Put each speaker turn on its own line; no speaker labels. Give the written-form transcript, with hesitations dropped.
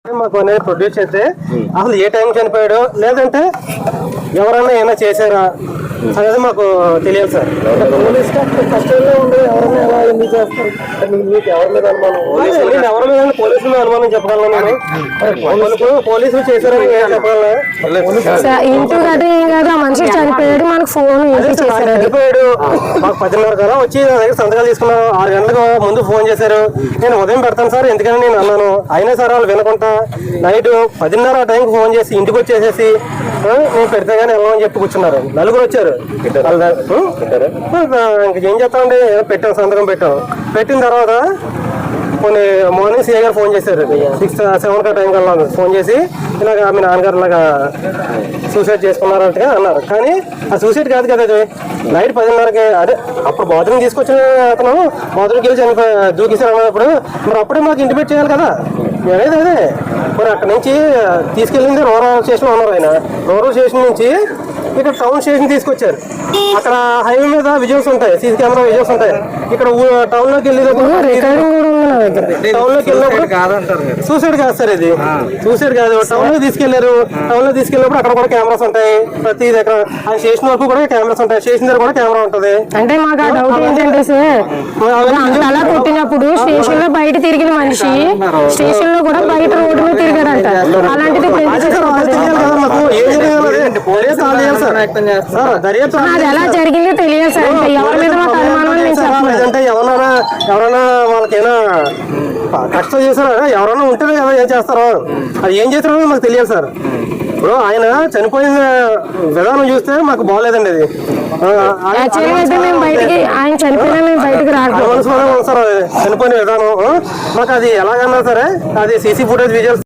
మాకు అనేది ప్రొడ్యూస్ చేస్తే అసలు ఏ టైం చనిపోయాడో లేదంటే ఎవరైనా ఏమైనా చేశారా అనేది మాకు తెలియదు సార్. పోలీస్ కస్టడీలో ఉండే ఎవరైనా ఎలా ఎందుకు చేస్తారు? మీకు ఎవరి మీద అనుమానం? ఎవరి మీద పోలీసుల మీద అనుమానం చెప్పగలను నేను. పోలీసులు చేశారని చెప్పగలను.
ఇంటూ కదా ఏం కాదు, ఆ మనిషి చనిపోయాడు, మనకు ఫోన్
చనిపోయాడు. మాకు 10:30 కదా వచ్చి నా దగ్గర సంతకాలు తీసుకున్నారు. 6 గంటలకు ముందు ఫోన్ చేశారు. నేను ఉదయం పెడతాను సార్ ఎందుకని నేను అన్నాను. అయినా సార్ వాళ్ళు వినకుండా నైట్ 10:30 ఆ టైంకి ఫోన్ చేసి ఇంటికి వచ్చేసేసి నేను పెడితే కానీ వెళ్ళమని చెప్పి కూర్చున్నారు. నలుగురు వచ్చారు. ఇంకేం చేస్తామండి, పెట్టాం సంతకం పెట్టిన తర్వాత కొన్ని మార్నింగ్ సీఏ గారు ఫోన్ చేశారు. 6-7 టైం కల్లా ఫోన్ చేసి ఇలాగ మీ నాన్నగారు ఇలాగా సూసైడ్ చేసుకున్నారంటే అన్నారు. కానీ ఆ సూసైడ్ కాదు కదా, అది నైట్ 10:30కి అదే అప్పుడు బాత్రూమ్ తీసుకొచ్చిన అతను బాత్రూమ్కి వెళ్ళి దూకేశారు అన్నప్పుడు మరి అప్పుడే మాకు ఇంటిమేట్ చేయాలి కదా. అనేది అదే మరి అక్కడి నుంచి తీసుకెళ్ళింది రూరల్ స్టేషన్లో ఉన్నారు. ఆయన రూరల్ స్టేషన్ నుంచి ఇక్కడ టౌన్ స్టేషన్ తీసుకొచ్చారు. అక్కడ హైవే మీద విజువల్స్ ఉంటాయి, సీసీ కెమెరా విజువల్స్ ఉంటాయి. ఇక్కడ టౌన్ లోకి వెళ్ళినప్పుడు సూసైడ్ కాదు సార్, ఇది సూసైడ్ కాదు. టౌన్ లో తీసుకెళ్లారు. టౌన్ లో తీసుకెళ్ళినప్పుడు అక్కడ కూడా కెమెరాస్ ఉంటాయి. ప్రతి దగ్గర ఆ స్టేషన్ వరకు కూడా కెమెరాస్ ఉంటాయి. స్టేషన్ దగ్గర కూడా కెమెరా ఉంటది.
అంటే మాకు ఆ డౌట్ ఏంటంటే సార్, అలా కొట్టినప్పుడు స్టేషన్ లో బయట తిరిగిన మనిషి స్టేషన్ లో కూడా బయట రోడ్డు మీద తిరిగాడంట. అలాంటిది అది ఎలా జరిగిందో తెలియదు సార్. ఎవరి మీద మాకు అనుమానం
లేదంటే ఎవరైనా వాళ్ళకైనా కష్టం చేశారా, ఎవరైనా ఉంటేనే కదా ఏం చేస్తారో. అది ఏం చేస్తారో మాకు తెలియదు సార్. ఇప్పుడు ఆయన చనిపోయిన విధానం చూస్తే మాకు బాగోలేదండి. అది
ఆయన చనిపోయినా మేము బయటకు రాకపోతే
చనిపోయిన విధానం మాకు అది ఎలాగన్నా సరే అది సీసీ ఫుటేజ్ విజువల్స్